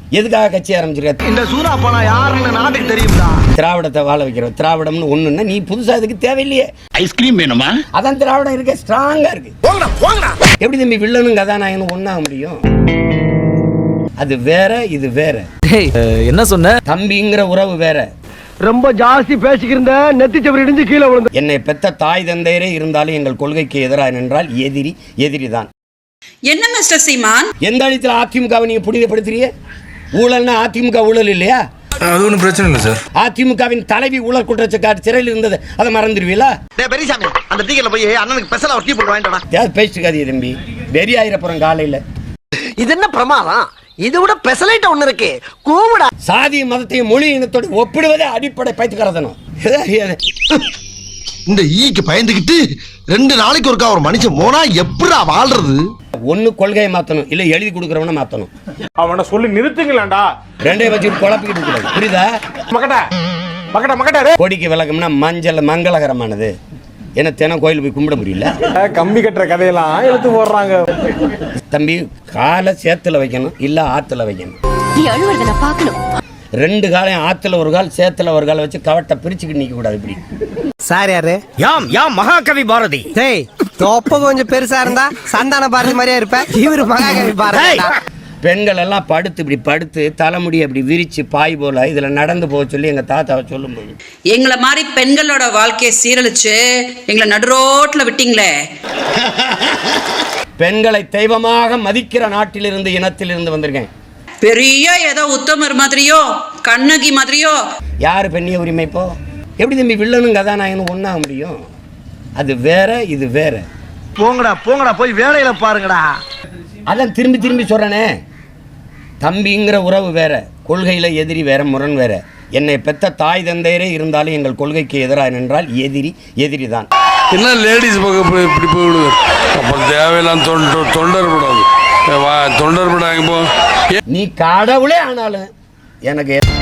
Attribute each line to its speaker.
Speaker 1: எதுக்காக கட்சி ஆரம்பிச்சிருக்க?
Speaker 2: இந்த சூரா பணம் யாருன்னு நாட்டுக்கு தெரியும்டா.
Speaker 1: திராவிடத்தை வாழ வைக்கிறோம். திராவிடம்னு ஒண்ணுன்னா நீ புதுசா அதுக்கு தேவையில்லையே.
Speaker 3: ஐஸ்கிரீம் வேணுமா?
Speaker 1: அதான் திராவிடம் இருக்க ஸ்ட்ராங்கா இருக்கு. எப்படி தம்பி வில்லனும் கதாநாயகனும் ஒண்ணாக முடியும்? அது வேற, இது வேற.
Speaker 4: என்ன சொன்ன?
Speaker 1: தம்பிங்கிற உறவு வேற.
Speaker 2: ரொம்ப ஜாஸ்தி பேசிக்கிருந்த நெத்தி சவரி இடிஞ்சு கீழே விழுந்து.
Speaker 1: என்னை பெத்த தாய் தந்தையரே இருந்தாலும் எங்கள் கொள்கைக்கு எதிராக நின்றால் எதிரிதான்.
Speaker 5: என்ன மிஸ்டர் சீமான்,
Speaker 1: எந்த அடித்தில் அதிமுகவை நீங்க புனிதப்படுத்துறீங்க? ஊழல்னா அதிமுக ஊழல் இல்லையா?
Speaker 6: அது ஒன்றும் பிரச்சனை இல்லை சார்.
Speaker 1: அதிமுகவின் தலைவி ஊழல் குற்றச்சாட்டு சிறையில் இருந்தது, அதை மறந்துடுவீங்களா?
Speaker 2: பெரியசாமி அந்த டீக்கல போய் அண்ணனுக்கு ஸ்பெஷலா ஒரு டீ போட்டு வாங்கிட்டா.
Speaker 1: பேசிக்காதீங்க தம்பி, வெறி ஆயிரப்புறம் காலையில. இது
Speaker 2: என்ன பிரமாதம்? இது விட ஸ்பெஷலைட் ஒண்ணு இருக்கு. கூமுடா.
Speaker 1: சாதி மதத்தையும் மொழி இனத்தோடு ஒப்பிடுவதே அடிப்படை பைத்தியக்காரத்தனம்.
Speaker 2: இந்த ஈக்கு பயந்துகிட்டு 2 நாளைக்கு ஒருக்கா ஒரு மனுஷன் போனா எப்படா வாழ்றது?
Speaker 1: ஒண்ணு கொள்கையை மாத்தணும், இல்ல எழுதி கொடுக்கறவன மாத்தணும்.
Speaker 7: அவனை சொல்லி நிறுத்துங்களேன்டா.
Speaker 1: ரெண்டே வச்சு குழப்பிக்கிட்டு கூடாது, புரியுதா?
Speaker 7: மக்கட்ட
Speaker 1: கொடிக்கு விளக்கம்னா மஞ்சள் மங்களகரமானது. என்ன தினம் கோயில் போய் கும்பிட முடியல?
Speaker 7: கம்பி கட்டுற கதையெல்லாம் எடுத்து போடுறாங்க.
Speaker 1: தம்பி, காலை சேத்துல வைக்கணும், இல்ல ஆத்துல வைக்கணும்.
Speaker 8: நீ அழுவறத நான் பார்க்கணும்.
Speaker 1: 2 காலையும் ஆத்துல ஒரு கால் சேத்துல ஒரு கால் வச்சு கவட்டை பிரிச்சுக்கிட்டு நிக்க கூடாது. இப்படி
Speaker 2: சார் யாரு?
Speaker 1: யாம் மகாகவி பாரதி.
Speaker 2: டேய் தொப்ப கொஞ்சம் பெருசா இருந்தா சந்தான பாரதி மாதிரியா இருப்ப. இவரு மகாகவி பாரதி.
Speaker 1: பெண்கள் எல்லாம் இப்படி படுத்து தலைமுடி அப்படி விரிச்சு பாய் போல இதுல நடந்து போக சொல்லி எங்க தாத்தாவை சொல்லும்போது,
Speaker 5: எங்களை மாதிரி பெண்களோட வாழ்க்கையை சீரழிச்சு எங்களை நடுரோட்ல விட்டீங்களே.
Speaker 1: பெண்களை தெய்வமாக மதிக்கிற நாட்டிலிருந்து இனத்திலிருந்து வந்திருக்கேன்.
Speaker 5: பெரிய ஏதோ உத்தமர் மாதிரியோ கண்ணகி மாதிரியோ.
Speaker 1: யாரு பெண்ணிய உரிமை? இப்போ எப்படி தம்பி வில்லனும் கதாநாயகனும் ஒண்ணாக முடியும்? அது வேற, இது வேற.
Speaker 2: போங்கடா போய் வேலையில பாருங்கடா.
Speaker 1: அதான் திரும்பி சொல்றேனே, தம்பிங்கிற உறவு வேற, கொள்கையில எதிரி வேற, முரண் வேற. என்னை பெத்த தாய் தந்தையரே இருந்தாலும் எங்கள் கொள்கைக்கு எதிராக நின்றால் எதிரிதான்.
Speaker 6: என்ன லேடிஸ் பக்கம் இப்படி போயிடுது? அப்புறம் தேவையில்லாம் தொண்டர் படாது.
Speaker 1: நீ கடவுளே ஆனாலும் எனக்கு